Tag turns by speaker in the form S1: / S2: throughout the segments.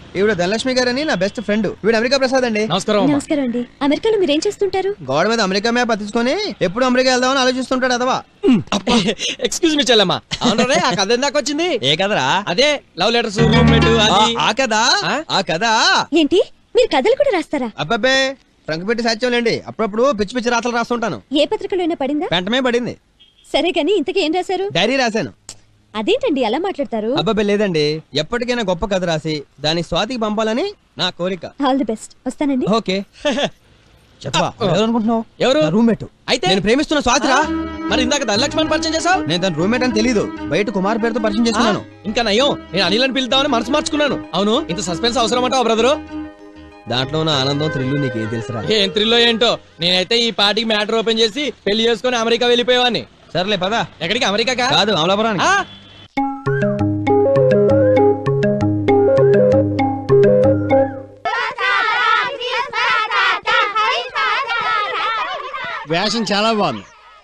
S1: ఈవిడ ధనలక్ష్మి గారని నా బెస్ట్ ఫ్రెండ్. వీడు అమెరికా ప్రసాద్ అండి.
S2: నమస్కారం అండి. అమెరికాలో మీరేం చేస్తుంటారు?
S1: గోడ మీద అమెరికా మ్యాప్ అతికించుకొని ఎప్పుడు అమెరికా వెళ్దామని ఆలోచిస్తుంటాడు అదవా.
S3: ఎక్స్క్యూజ్ మీ చెల్లమ్మా, అవునరే ఆ కథ ఎందాక వచ్చింది?
S1: ఏ కదరా?
S3: అదే లవ్ లెటర్స్, రూమ్మేట్ అది.
S1: ఆ కదా ఆ కదా.
S2: ఏంటి మీరు కథలు కూడా రాస్తారా?
S1: అబ్బాబే ట్రంక్ పెట్టి సాధ్యంలేండి. అప్పుడప్పుడు పిచ్చి పిచ్చి రాతలు రాస్తుంటాను.
S2: ఏ పత్రికలో అయినా పడిందా?
S1: వెంటనే పడింది.
S2: సరే కానీ ఇంతకీ ఏం రాశారు?
S1: డైరీ రాశాను.
S2: అదేంటండి అలా మాట్లాడతారు?
S1: అబ్బాబే లేదండి, ఎప్పటికైనా గొప్ప కథ రాసి దాన్ని స్వాతికి పంపాలని నా కోరిక.
S2: All the best. వస్తానండి.
S1: ఓకే. చెప్పా అనుకుంటున్నావు?
S3: ఎవరు?
S1: రూమ్మేట్.
S3: అయితే
S1: నేను ప్రేమిస్తున్న స్వాతిరా.
S3: మరి ఇందాక ధనలక్ష్మణ్ పరిచయం చేసావు.
S1: నేను తన రూమ్మేట్ అని తెలీదు, బయట కుమార్ పేరుతో పరిచయం చేసుకున్నాను.
S3: ఇంకా నయ్యం, నేను అనిల్ అని పిలుద్దామని మనసు మార్చుకున్నాను. అవును, ఇంత సస్పెన్స్ అవసరం అంటావు బ్రదరు?
S1: దాంట్లో ఉన్న ఆనందం థ్రిల్లు నీకేం తెలుసురా?
S3: ఏం థ్రిల్లో ఏంటో. నేనైతే ఈ పార్టీకి మ్యాటర్ ఓపెన్ చేసి పెళ్లి చేసుకుని అమెరికా వెళ్ళిపోయేవాన్ని.
S1: సర్లే పదా.
S3: ఎక్కడికి? అమెరికా
S1: కాదు, అమలాపురానికి.
S4: వేషం చాలా బాగుంది.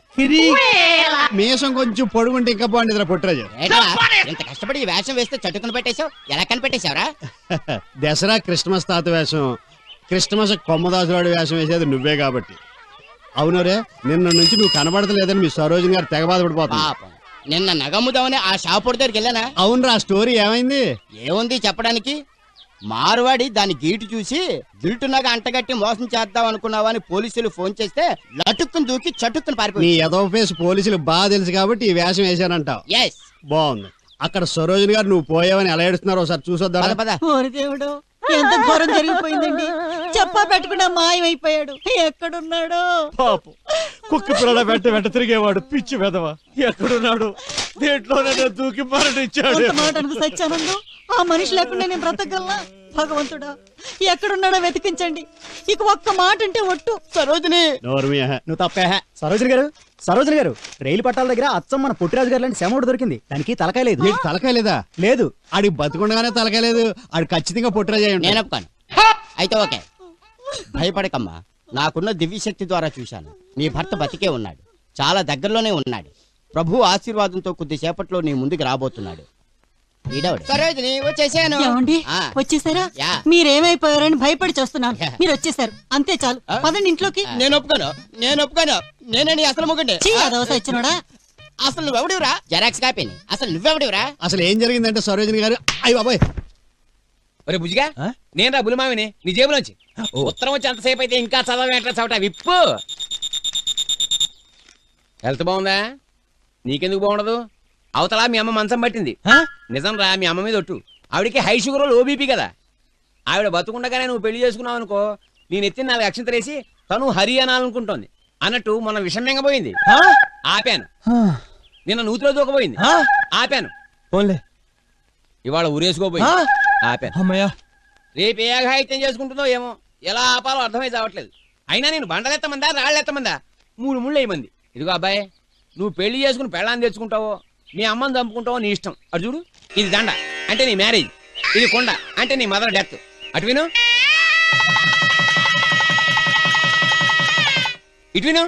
S4: మీసం కొంచెం పొడుగుంటే ఇంకా బాగుండేదిరా పుట్టరాజు.
S5: ఇంత కష్టపడి ఈ వేషం వేస్తే చట్టుకుని పెట్టేశావు, ఎలా కనిపెట్టేశావురా?
S4: దసరా క్రిస్మస్ తాత వేషం, క్రిస్మస్ కొమ్మదాసువాడి వేషం వేసేది నువ్వే కాబట్టి. అవునరే, నిన్న నుంచి నువ్వు కనబడతలేదని మీ సరోజిని గారు తెగ బాధపడిపోతుంది.
S5: పాపం, నిన్న నగమ్ముదామని ఆ షాపు దగ్గరికి వెళ్ళానా?
S4: అవునరా, స్టోరీ ఏమైంది?
S5: ఏముంది చెప్పడానికి? మార్వాడి దాని గీటు చూసి గిల్టునగా అంటగట్టి మోసం చేద్దాం అనుకున్నావా అని పోలీసులు ఫోన్ చేస్తే లటుక్కుని దూకి చటుక్కుని
S4: నీ
S5: పారిపోయి.
S4: ఎదవ ఫేస్ పోలీసులు బాగా తెలుసు కాబట్టి ఈ వేషం వేశానంటావు.
S5: ఎస్,
S4: బాగుంది. అక్కడ సరోజిని గారు నువ్వు పోయావని ఎలా ఏడుస్తున్నారో ఒకసారి చూసొద్దా?
S5: పద పద.
S6: ఓరి దేవుడు, ఎంత ఘోరం జరిగిపోయిందండి. చెప్పా పెట్టకుండా మాయమైపోయాడు. ఎక్కడున్నాడో
S4: పాపం, కుక్క పిల్లల వెంట తిరిగేవాడు పిచ్చి వెదవ ఎక్కడున్నాడు? దేంట్లోనే దూకి మరణించాడు.
S6: అంత మాట అనుకు సత్యానందం. ఆ మనిషి లేకుండా నేను బ్రతకగలనా? భగవంతుడా, ఎక్కడున్నాడో వెతికించండి. ఇక ఒక్క మాట అంటే ఒట్టు.
S5: సరోజిని,
S4: నువ్వు తప్పే.
S7: సరోజిని గారు రైలు పట్టాల దగ్గర అచ్చం మన పుట్టిరాజు గారు లాంటి శమోడు దొరికింది. దానికి తలకాయ లేదు.
S4: తలకాయ లేదా?
S7: లేదు.
S4: ఆడి బతుకుండగానే తలకాయ లేదు. ఆడు ఖచ్చితంగా పుట్టరాజు అయి ఉంటాడు.
S5: నేను ఒప్పుకోను. అయితే ఓకే, భయపడకమ్మా. నాకున్న దివ్యశక్తి ద్వారా చూశాను, నీ భర్త బతికే ఉన్నాడు, చాలా దగ్గరలోనే ఉన్నాడు. ప్రభు ఆశీర్వాదంతో కొద్దిసేపట్లో నీ ముందుకు రాబోతున్నాడు. సరోజిని వచ్చేసాను.
S6: ఏమండి, వచ్చేసారా?
S5: యా.
S6: మీరేమైపోయారని భయపడి చూస్తున్నాను. మీరు వచ్చేసారు, అంతే చాలు. పదండి ఇంట్లోకి.
S5: నేను ఒప్పుకోను. నేనే నీ అసలు మొగండి.
S6: ఇచ్చినోడా?
S5: అసలు నువ్వెవడివరా? జెరాక్స్ కాపీని. అసలు నువ్వెవడివరా?
S4: అసలు ఏం జరిగిందంటే సరోజిని గారు, అయ్య బాబాయ్,
S3: ఒరే బుజ్జిగా, నేను రా బులిమావిని. నీ జేబులోంచి ఉత్తరం వచ్చి ఎంతసేపు అయితే ఇంకా చదవేంట్రా చవట విప్పు. హెల్త్ బాగుందా? నీకెందుకు బాగుండదు? అవతల మీ అమ్మ మంచం పట్టింది. నిజం రా, మీ అమ్మ మీద ఒట్టు. ఆవిడకి హై షుగర్ ఓబీపీ కదా. ఆవిడ బతుకుండగానే నువ్వు పెళ్లి చేసుకున్నావు అనుకో, నేను ఎత్తిన 4 అక్షంతలేసి తను హరి అనాలనుకుంటోంది. అన్నట్టు మొన్న విషం మింగబోయింది, ఆపాను. నిన్న నూతిలో దూకపోయింది, ఆపాను.
S1: పోన్లే.
S3: ఇవాళ ఊరేసుకోబోయింది, ఆపాను.
S1: అమ్మయ్యా.
S3: రేపు ఏ అఘాయిత్యం చేసుకుంటుందో ఏమో, ఎలా ఆపాలో అర్థమై చావట్లేదు. అయినా నేను బండలెత్తమందా రాళ్ళెత్తమందా? 3 ముళ్ళు వేయమంది. ఇదిగో అబ్బాయి, నువ్వు పెళ్లి చేసుకుని పెళ్ళాన్ని తెచ్చుకుంటావో, మీ అమ్మని చంపుకుంటావో నీ ఇష్టం. అటు చూడు, ఇది దండ అంటే నీ మ్యారేజ్, ఇది కొండ అంటే నీ మదర్ డెత్. అటు విను, ఇటు విను.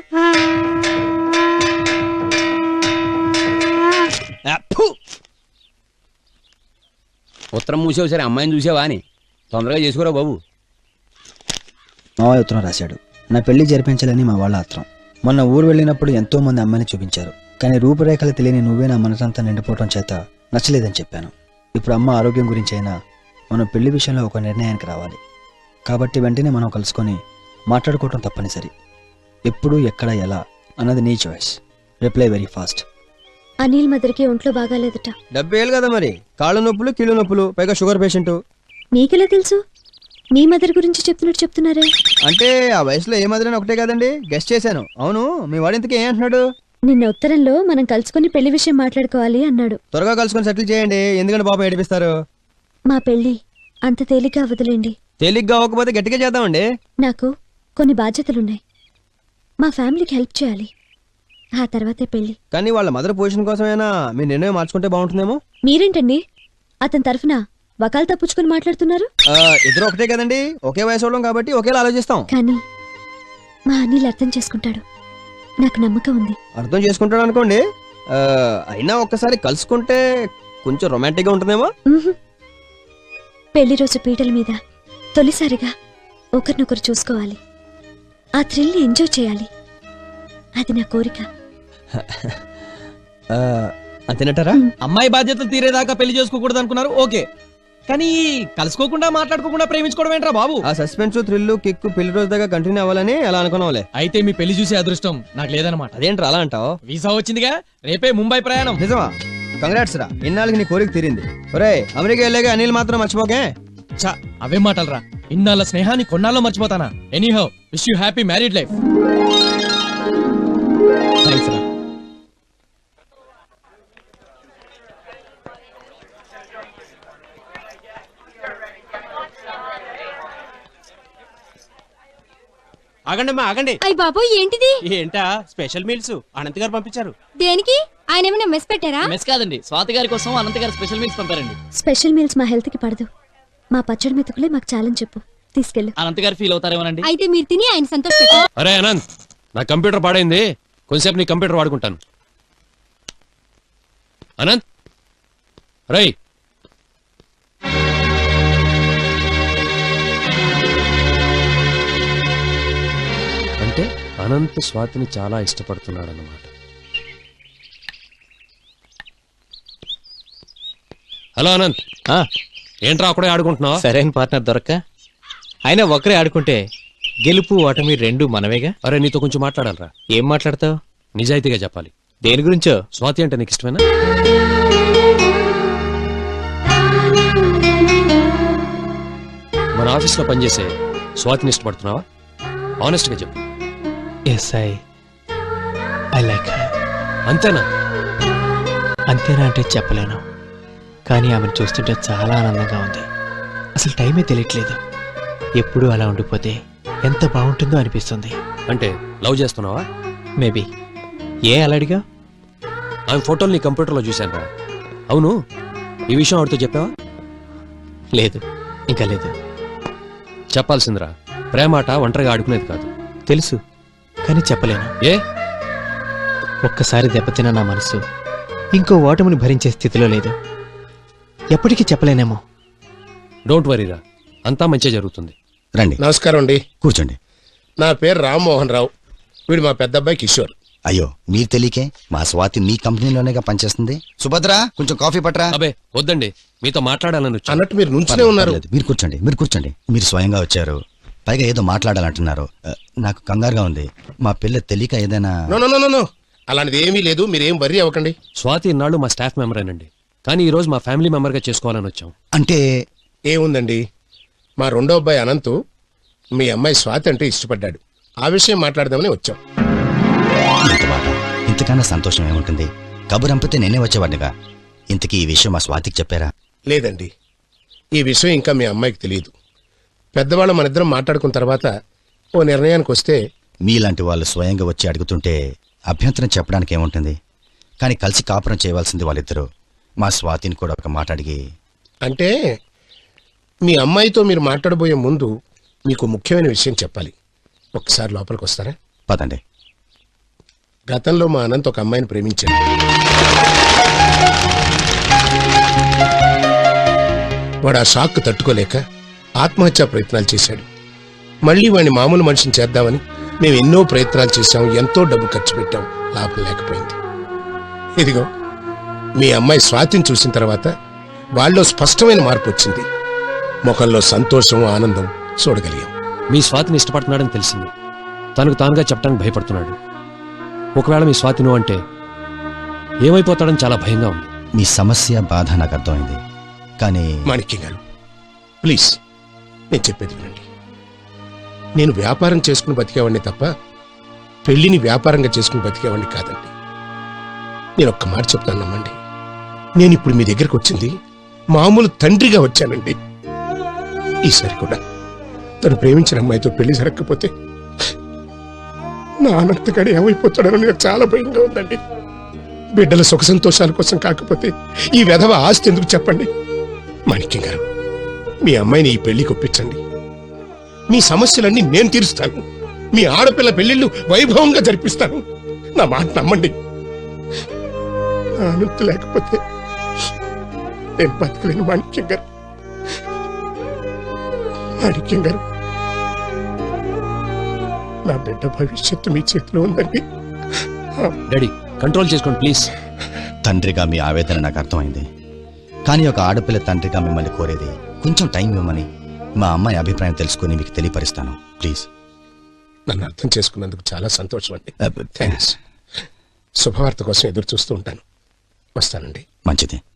S3: ఉత్తరం మూసేవు సరే, అమ్మాయిని చూసావా అని తొందరగా చేసుకోరా బాబు.
S7: మావయ్య ఉత్తరం రాశాడు. నా పెళ్లి జరిపించాలని మా వాళ్ళ ఆత్రం. మొన్న ఊరు వెళ్ళినప్పుడు ఎంతో మంది అమ్మాయిని చూపించారు, కానీ రూపురేఖలు తెలియని నువ్వే నా మనసంతా నిండిపోవటం చేత నచ్చలేదని చెప్పాను. ఇప్పుడు అమ్మ ఆరోగ్యం గురించి అయినా మనం పెళ్లి విషయంలో ఒక నిర్ణయానికి రావాలి. కాబట్టి వెంటనే మనం కలుసుకొని మాట్లాడుకోవటం తప్పనిసరి. ఎప్పుడు ఎక్కడ ఎలా అన్నది నీ choice. Reply very fast.
S2: Anil మదర్కి ఒంట్లో బాగాలేదట.
S1: 70 ఏళ్ళు కదా మరి, కాళ్ళు నొప్పులు కీళ్ళు నొప్పులు, పైగా షుగర్ పేషెంట్.
S2: మీకెలా తెలుసు? మీ మదర్ గురించి చెప్తున్నారే.
S1: అంటే ఆ వయసులో ఏ మదర్ ఒకటే కదండి, గెస్ట్ చేశాను. అవును, మీ వాడు ఇంతకీ ఏం అంటున్నాడు?
S2: నిన్న ఉత్తరంలో మనం కలుసుకుని పెళ్లి విషయం మాట్లాడుకోవాలి అన్నాడు.
S1: త్వరగా కలుసుకొని సెటిల్ చేయండి, ఎందుకంటే పాపం ఏడిపిస్తారు.
S2: మా పెళ్లి అంత తేలిగ్గా వదిలేండి.
S1: తేలిగ్గా అవ్వకపోతే గట్టిగా చేద్దామండి.
S2: నాకు కొన్ని బాధ్యతలున్నాయి. మా ఫ్యామిలీకి హెల్ప్ చేయాలి, ఆ తర్వాతే పెళ్లి.
S1: కానీ వాళ్ళ మదర్ పొజిషన్ కోసమైనా మీ నిర్ణయం మార్చుకుంటే బాగుంటుందేమో.
S2: మీరేంటండి అతని తరఫున వకాలు తప్పుచుకుని మాట్లాడుతున్నారు?
S1: ఇద్దరు ఒకటే కదండి, ఒకే వయసు వాళ్ళం కాబట్టి ఒకేలా ఆలోచిస్తాం.
S2: కానీ మా అనిల్ అర్థం చేసుకుంటాడు, నాకు నమ్మకం ఉంది.
S1: అర్థం చేసుకుంటాడు అనుకోండి, అయినా ఒక్కసారి కలుసుకుంటే కొంచెం రొమాంటిక్ గా ఉంటుందేమో.
S2: పెళ్లి రోజు పీటల మీద తొలిసారిగా ఒకరినొకరు చూసుకోవాలి, ఆ థ్రిల్ని ఎంజాయ్ చేయాలి. అది నా కోరిక.
S1: అంతేనటారా?
S8: అమ్మాయి బాధ్యతలు తీరేదాకా పెళ్లి చేసుకోకూడదు అనుకున్నారు, ఓకే. కానీ కలుసుకోకుండా మాట్లాడుకోకుండా ప్రేమించుకోవడం ఏంట్రా బాబు?
S1: ఆ సస్పెన్స్ థ్రిల్ కిక్ పెళ్లి రోజు దాకా కంటిన్యూ అవ్వాలని అలా అనుకున్నాంలే.
S8: అయితే మీ పెళ్లి చూసే అదృష్టం నాకు లేదనమాట.
S1: అదేంట్రా అలా అంటావు?
S8: వీసా వచ్చిందిగా, రేపే ముంబై ప్రయాణం.
S1: నిజమా? కంగ్రాట్స్ రా, ఇన్నాళ్ళకి నీ కోరిక తీరింది. ఒరే అమెరికా వెళ్ళాక అనిల్ మాత్రం మర్చిపోకే.
S8: చా, అవే మాటలరా. ఇన్నాళ్ళ స్నేహాన్ని కొన్నాళ్ళలో మర్చిపోతానా? Anyhow, wish you happy married life. Thanks రా.
S5: ఆగండమ్మా ఆగండి.
S2: అయ్య బాబు, ఏంటిది?
S5: ఏంటా స్పెషల్ మీల్స్ అనంత్ గారు పంపించారు.
S2: దేనికి? ఆయన ఏమైనా మెస్ పెట్టారా?
S8: మెస్ కాదండి, స్వాతి గారి కోసం అనంత గారు స్పెషల్ మీల్స్ పంపారండి.
S2: స్పెషల్ మీల్స్ మా హెల్త్ కి పడదు. మా పచ్చడి మెతుకులే మాకు చాలని చెప్పు, తీసుకెళ్ళు.
S8: అనంత గారు ఫీల్ అవుతారేమోనండి.
S2: అయితే మీరు తిని ఆయన సంతోష.
S9: అరే అనంత్, నా కంప్యూటర్ పాడైంది, కొంచెంసేపు నీ కంప్యూటర్ వాడుకుంటాను. అనంత్ రై, అంటే అనంత్ స్వాతిని చాలా ఇష్టపడుతున్నాడు అన్నమాట. హలో అనంత్, ఏంట్రా అక్కడే ఆడుకుంటున్నావు?
S10: సరైన పార్ట్నర్ దొరక్క అయినా ఒకరే ఆడుకుంటే గెలుపు ఓటమి రెండు మనమేగా.
S9: అరే నీతో కొంచెం మాట్లాడాలరా.
S10: ఏం మాట్లాడతావు?
S9: నిజాయితీగా చెప్పాలి.
S10: దేని గురించో?
S9: స్వాతి అంటే నీకు ఇష్టమేనా? మన ఆఫీస్లో పనిచేసే స్వాతిని ఇష్టపడుతున్నావా? ఆనెస్ట్ గా చెప్పు.
S10: Yes, I like her.
S9: అంతేనా?
S10: అంతేనా అంటే చెప్పలేను, కానీ ఆమెను చూస్తుంటే చాలా ఆనందంగా ఉంది. అసలు టైమే తెలియట్లేదు. ఎప్పుడూ అలా ఉండిపోతే ఎంత బాగుంటుందో అనిపిస్తుంది.
S9: అంటే లవ్ చేస్తున్నావా?
S10: మేబీ. ఏ అలడిగా?
S9: ఆమె ఫోటోలు నీ కంప్యూటర్లో చూశాను రా. అవును, ఈ విషయం ఆవిడతో చెప్పావా?
S10: లేదు, ఇంకా లేదు.
S9: చెప్పాల్సిందిరా. ప్రేమాట ఒంటరిగా ఆడుకునేది కాదు.
S10: తెలుసు, కానీ చెప్పలేను.
S9: ఏ?
S10: ఒక్కసారి దెబ్బతిన్న నా మనసు ఇంకో ఓటమిని భరించే స్థితిలో లేదు. ఎప్పటికీ చెప్పలేనేమో.
S9: డోంట్ వరీరా, అంతా మంచిగా జరుగుతుంది.
S11: రండి.
S12: నమస్కారం అండి.
S11: కూర్చోండి.
S12: నా పేరు రామ్మోహన్ రావు, వీడు మా పెద్ద అబ్బాయి కిషోర్.
S11: అయ్యో, మీరు తెలియకే మా స్వాతి మీ కంపెనీలోనేగా పనిచేస్తుంది. సుభద్ర, కొంచెం కాఫీ పట్టరా.
S9: అబే వద్దండి, మీతో మాట్లాడాలని వచ్చాను.
S12: అన్నట్టు మీరు నుంచునే ఉన్నారు.
S11: పర్లేదు, మీరు కూర్చోండి, మీరు కూర్చోండి. మీరు స్వయంగా వచ్చారు, పైగా ఏదో మాట్లాడాలంటున్నారు. నాకు కంగారుగా ఉంది. మా పిల్ల తెలియక ఏదైనా...
S12: నో నో నో నో, అలాంటిది ఏమీ లేదు, మీరేం వర్రీ అవ్వకండి.
S9: స్వాతి ఇన్నాళ్ళు మా స్టాఫ్ మెంబరేనండి, కానీ ఈ రోజు మా ఫ్యామిలీ మెంబర్గా చేసుకోవాలని వచ్చాం.
S11: అంటే
S12: ఏముందండి, మా రెండో అబ్బాయి అనంత్ మీ అమ్మాయి స్వాతి అంటే ఇష్టపడ్డాడు. ఆ విషయం మాట్లాడదామని వచ్చాం.
S11: ఇంత మాట, ఇంతకన్నా సంతోషం ఏముంటుంది? కబురంపితే నేనే వచ్చేవాడినిగా. ఇంతకీ ఈ విషయం మా స్వాతికి చెప్పారా?
S12: లేదండి, ఈ విషయం ఇంకా మీ అమ్మాయికి తెలియదు. పెద్దవాళ్ళు మన ఇద్దరం మాట్లాడుకున్న తర్వాత ఓ నిర్ణయానికి వస్తే...
S11: మీలాంటి వాళ్ళు స్వయంగా వచ్చి అడుగుతుంటే అభ్యంతరం చెప్పడానికి ఏముంటుంది? కానీ కలిసి కాపురం చేయవలసింది వాళ్ళిద్దరూ. మా స్వాతిని కూడా ఒక మాట అడిగి...
S12: అంటే మీ అమ్మాయితో మీరు మాట్లాడబోయే ముందు మీకు ముఖ్యమైన విషయం చెప్పాలి. ఒకసారి లోపలికి వస్తారా?
S11: పదండి.
S12: గతంలో మా అనంత్ ఒక అమ్మాయిని ప్రేమించాడు. వాడు ఆ షాక్ తట్టుకోలేక ఆత్మహత్యా ప్రయత్నాలు చేశాడు. మళ్ళీ వాడిని మామూలు మనిషిని చేద్దామని మేము ఎన్నో ప్రయత్నాలు చేశాం, ఎంతో డబ్బు ఖర్చు పెట్టాం, లాభం లేకపోయింది. ఇదిగో మీ అమ్మాయి స్వాతిని చూసిన తర్వాత వాళ్ళలో స్పష్టమైన మార్పు వచ్చింది. ముఖంలో సంతోషం, ఆనందం చూడగలిగాం.
S9: మీ స్వాతిని ఇష్టపడుతున్నాడని తెలిసింది. తనకు తానుగా చెప్పడానికి భయపడుతున్నాడు. ఒకవేళ మీ స్వాతిను అంటే ఏమైపోతాడని చాలా భయంగా ఉంది.
S11: మీ సమస్య, బాధ నాకు అర్థమైంది. కానీ
S12: మాణిక్యం గారు, ప్లీజ్ నేను చెప్పేది వినండి. నేను వ్యాపారం చేసుకుని బతికేవాడిని తప్ప పెళ్లిని వ్యాపారంగా చేసుకుని బతికేవాడిని కాదండి. నేను ఒక్క మాట చెప్తాను, నమ్మండి. నేను ఇప్పుడు మీ దగ్గరకు వచ్చింది మామూలు తండ్రిగా వచ్చానండి. ఈసారి కూడా తను ప్రేమించిన అమ్మాయితో పెళ్లి జరగకపోతే నా అనంతగాడు ఏమైపోతాడని నాకు చాలా భయంగా ఉందండి. బిడ్డల సుఖ సంతోషాల కోసం కాకపోతే ఈ వెధవ ఆస్తి ఎందుకు చెప్పండి? మాణిక్యం గారు, మీ అమ్మాయిని ఈ పెళ్లికి ఒప్పించండి. మీ సమస్యలన్నీ నేను తీరుస్తాను. మీ ఆడపిల్ల పెళ్లిళ్ళు వైభవంగా జరిపిస్తాను. నా మాట నమ్మండి. అనంత లేకపోతే నేను బతకలేను మాణిక్యం గారు. మాణిక్యం గారు, నా బిడ్డ భవిష్యత్తు మీ చేతిలో ఉందండి.
S9: డాడీ కంట్రోల్ చేసుకోండి ప్లీజ్.
S11: తండ్రిగా మీ ఆవేదన నాకు అర్థమైంది. కానీ ఒక ఆడపిల్ల తండ్రిగా మిమ్మల్ని కోరేది కొంచెం టైం ఇవ్వమని. మా అమ్మాయి అభిప్రాయం తెలుసుకుని మీకు తెలియపరుస్తాను ప్లీజ్.
S12: నన్ను అర్థం చేసుకున్నందుకు చాలా సంతోషం అండి. థ్యాంక్స్. శుభవార్త కోసం ఎదురు చూస్తూ ఉంటాను. వస్తానండి.
S11: మంచిది.